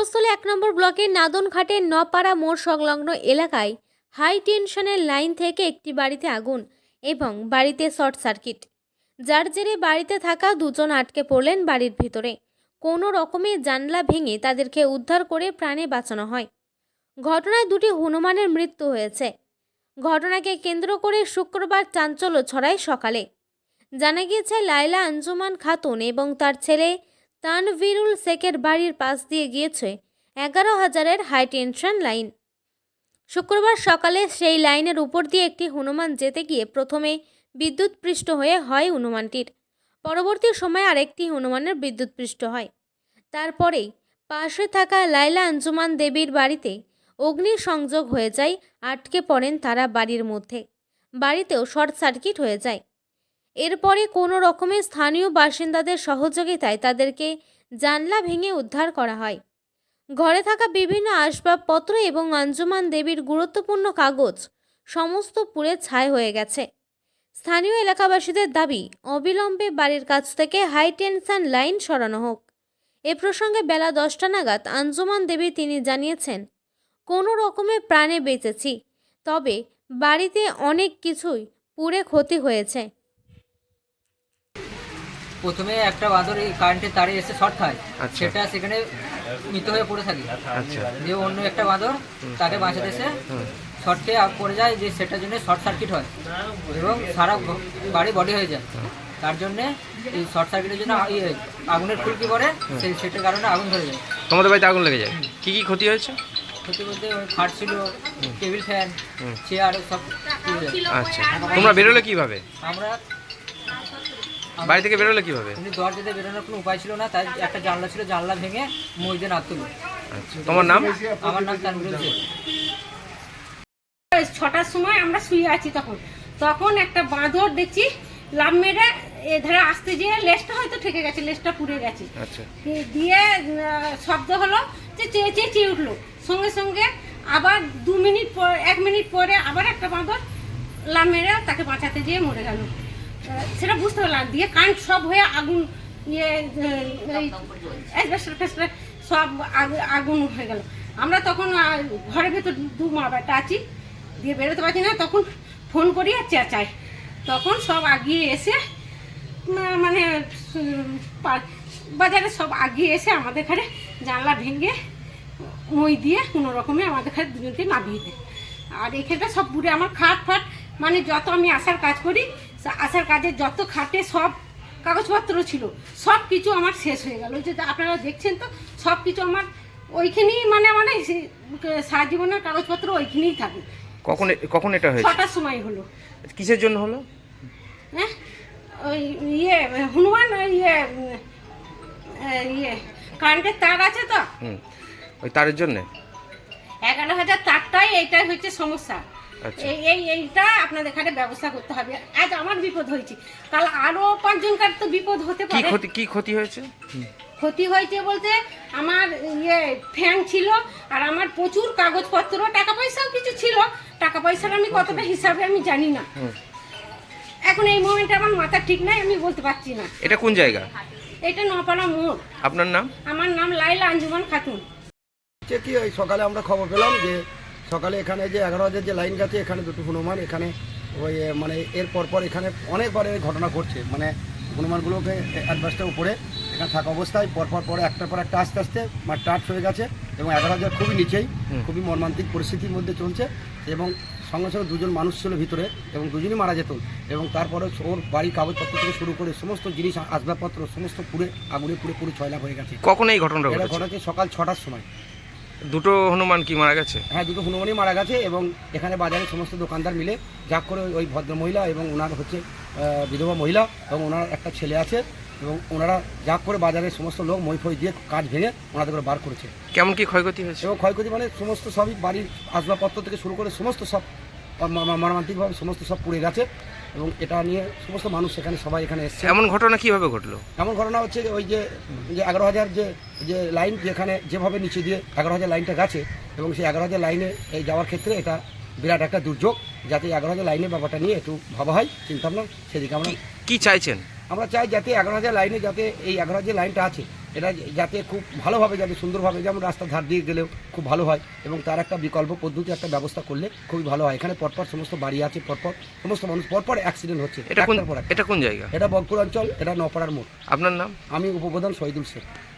মফস্বল ১ নম্বর ব্লকের নাদনঘাটের নপাড়া মোড় সংলগ্ন এলাকায় হাই টেনশনের লাইন থেকে একটি বাড়িতে আগুন এবং বাড়িতে শর্ট সার্কিট, যার জেরে বাড়িতে থাকা দুজন আটকে পড়লেন বাড়ির ভিতরে। কোনো রকমে জানলা ভেঙে তাদেরকে উদ্ধার করে প্রাণে বাঁচানো হয়। ঘটনায় দুটি হনুমানের মৃত্যু হয়েছে। ঘটনাকে কেন্দ্র করে শুক্রবার চাঞ্চল্য ছড়ায় সকালে। জানা গিয়েছে, লায়লা আঞ্জুমান খাতুন এবং তার ছেলে তানভীরুল শেখের বাড়ির পাশ দিয়ে গিয়েছে 11,000-এর হাই টেনশন লাইন। শুক্রবার সকালে সেই লাইনের উপর দিয়ে একটি হনুমান যেতে গিয়ে প্রথমে বিদ্যুৎপৃষ্ট হয়ে হয় হনুমানটির। পরবর্তী সময়ে আরেকটি হনুমানের বিদ্যুৎপৃষ্ট হয়। তারপরেই পাশে থাকা লায়লা আঞ্জুমান দেবীর বাড়িতে অগ্নিসংযোগ হয়ে যায়। আটকে পড়েন তারা বাড়ির মধ্যে। বাড়িতেও শর্ট সার্কিট হয়ে যায়। এরপরে কোনো রকমে স্থানীয় বাসিন্দাদের সহযোগিতায় তাদেরকে জানলা ভেঙে উদ্ধার করা হয়। ঘরে থাকা বিভিন্ন আসবাবপত্র এবং আঞ্জুমান দেবীর গুরুত্বপূর্ণ কাগজ সমস্ত পুড়ে ছাই হয়ে গেছে। স্থানীয় এলাকাবাসীদের দাবি, অবিলম্বে বাড়ির কাছ থেকে হাই টেনশন লাইন সরানো হোক। এ প্রসঙ্গে বেলা 10টা নাগাদ আঞ্জুমান দেবী তিনি জানিয়েছেন, কোনো রকমে প্রাণে বেঁচেছি, তবে বাড়িতে অনেক কিছুই পুড়ে ক্ষতি হয়েছে। প্রথমে একটা বাঁদর এই কারেন্টের তারে এসে শর্ট খায়, সেটা সেখানে মৃত হয়ে পড়ে থাকে। যে অন্য একটা বাঁদর তাকে বাঁচাতে এসে শর্ট খেয়ে পড়ে যায়, যে সেটার জন্য শর্ট সার্কিট হয় এবং সারা বাড়ি বডি হয়ে যায়। তার জন্যে এই শর্ট সার্কিটের জন্য আগুনের ফুলকি পড়ে, সেটার কারণে আগুন ধরে যায়। তোমাদের বাড়িতে আগুন লেগে যায়? কি কি ক্ষতি হয়েছে? ক্ষতি বলতে খাট ছিল, টেবিল ফ্যান, চেয়ার সব। আচ্ছা, তোমরা বেরোলে কিভাবে? আমরা বাড়ি থেকে বেরোলে কিভাবে? দরজাতে বেরোনোর কোনো উপায় ছিল না, তাই একটা জানলা ছিল, জানলা ভেঙে মই দিয়ে নামতে হলো। আচ্ছা, তোমার নাম? আমার নাম তানভীরুল শেখ। 6টার সময় আমরা শুয়ে আছি, তখন একটা বাঁদর দেখছি লাভ মেরে এধারে আসতে যেয়ে লেজটা হয়তো ঠেকে গেছে, লেজটা পুড়ে গেছে। আচ্ছা, দিয়ে শব্দ হলো যে চেয়ে চেয়ে উঠলো। সঙ্গে সঙ্গে আবার 1 মিনিট পরে আবার একটা বাঁদর লাভ মেরে তাকে বাঁচাতে যেয়ে মরে গেল। সেটা বুঝতে পারলাম। দিয়ে কারেন্ট সব হয়ে আগুন সব আগুন হয়ে গেল। আমরা তখন ঘরের ভেতর 2 মা বেটা আছি, দিয়ে বেরোতে পারছি না। তখন ফোন করি আর চেঁচাই, তখন সব আগিয়ে এসে মানে বাজারে সব আগিয়ে এসে আমাদের ঘরে জানলা ভেঙে মই দিয়ে কোনো রকমে আমাদের ঘরে দুজনকে নামিয়ে দেয়। আর এখানটা সব পুরে আমার খাট ফাট, মানে যত আমি আসার কাজ করি, আসার কাজে যত খাটে সব কাগজপত্র ছিল, সব কিছু আমার শেষ হয়ে গেল। যে আপনারা দেখছেন তো, সব কিছু আমার ওইখানেই, মানে সারা জীবনের কাগজপত্র ওইখানেই থাকে। কখন এটা হয়েছে? 6টার সময় হলো। কিসের জন্য হলো? হ্যাঁ, ওই হনুমান কারেন্টের তার আছে তো, ওই তারের জন্য 11,000 তারটাই এইটাই হচ্ছে সমস্যা। আচ্ছা, এইটা আপনাদের এখানে ব্যবস্থা করতে হবে। আজ আমার বিপদ হয়েছে, কাল আরো 5 জনকার তো বিপদ হতে পারে। কি ক্ষতি হয়েছে? ক্ষতি হয়েছে বলতে আমার ফ্যান ছিল, আর আমার প্রচুর কাগজপত্র, টাকা পয়সাও কিছু ছিল। টাকা পয়সার আমি কতটা হিসাবে আমি জানি না, এখন এই মোমেন্টে আমার মাথা ঠিক নাই, আমি বলতে পারছি না। এটা কোন জায়গা? এটা নপাড়া মোড়। আপনার নাম? আমার নাম লায়লা আঞ্জুমান খাতুন। কি ওই সকালে আমরা খবর পেলাম যে সকালে এখানে যে 11,000 যে লাইন গেছে, এখানে দুটো হনুমান এখানে ওই মানে এর পরপর এখানে অনেকবার এই ঘটনা ঘটছে। মানে হনুমানগুলোকে অ্যাডভান্সটার উপরে এখানে থাকা অবস্থায় পরপর পরে একটার পর একটা আস্তে আস্তে টাচ হয়ে গেছে এবং 11,000 খুবই নিচেই, খুবই মর্মান্তিক পরিস্থিতির মধ্যে চলছে। এবং সঙ্গে সঙ্গে 2জন মানুষ ছিল ভিতরে এবং 2জনই মারা যেত। এবং তারপরে ওর বাড়ির কাগজপত্র থেকে শুরু করে সমস্ত জিনিস, আসবাবপত্র সমস্ত পুড়ে আগুনে পুরো ছয়লাভ হয়ে গেছে। কখন এই ঘটনাটা ঘটেছে? সকাল 6টার সময়। দুটো হনুমান কি মারা গেছে? হ্যাঁ, দুটো হনুমানই মারা গেছে। এবং এখানে বাজারে সমস্ত দোকানদার মিলে যা করে ওই ভদ্র মহিলা এবং ওনার হচ্ছে বিধবা মহিলা এবং ওনার একটা ছেলে আছে, এবং ওনারা যা করে বাজারের সমস্ত লোক মই ফই দিয়ে কাজ ভেঙে ওনাদের করে বার করেছে। কেমন কি ক্ষয়ক্ষতি হয়েছে? এবং ক্ষয়ক্ষতি মানে সমস্ত সবই বাড়ির আসবাবপত্র থেকে শুরু করে সমস্ত সব মর্মান্তিকভাবে সমস্ত সব পুড়ে গেছে। এবং এটা নিয়ে সমস্ত মানুষ এখানে সবাই এখানে এসছে। এমন ঘটনা কিভাবে ঘটলো? এমন ঘটনা হচ্ছে ওই যে 11,000 যে লাইন যেখানে যেভাবে নিচে দিয়ে 11,000 লাইনটা গেছে, এবং সেই 11,000 লাইনে এই যাওয়ার ক্ষেত্রে এটা বিরাট একটা দুর্যোগ। যাতে 11,000 লাইনের ব্যাপারটা নিয়ে একটু ভাবা হয়, চিন্তা ভাবনা, সেদিকে আমরা কি চাইছেন? আমরা চাই যাতে 11,000 লাইনে, যাতে এই 11,000 লাইনটা আছে এটা যাতে খুব ভালোভাবে যাতে সুন্দরভাবে, যেমন রাস্তার ধার দিয়ে গেলেও খুব ভালো হয়, এবং তার একটা বিকল্প পদ্ধতি একটা ব্যবস্থা করলে খুবই ভালো হয়। এখানে পরপর সমস্ত বাড়ি আছে, পরপর সমস্ত মানুষ পরপর অ্যাক্সিডেন্ট হচ্ছে। এটা কোন একটার পর একটা। এটা কোন জায়গা? এটা বগপুর অঞ্চল, এটা নপাড়ার মোড়। আপনার নাম? আমি উপপ্রধান শহীদুল শেখ।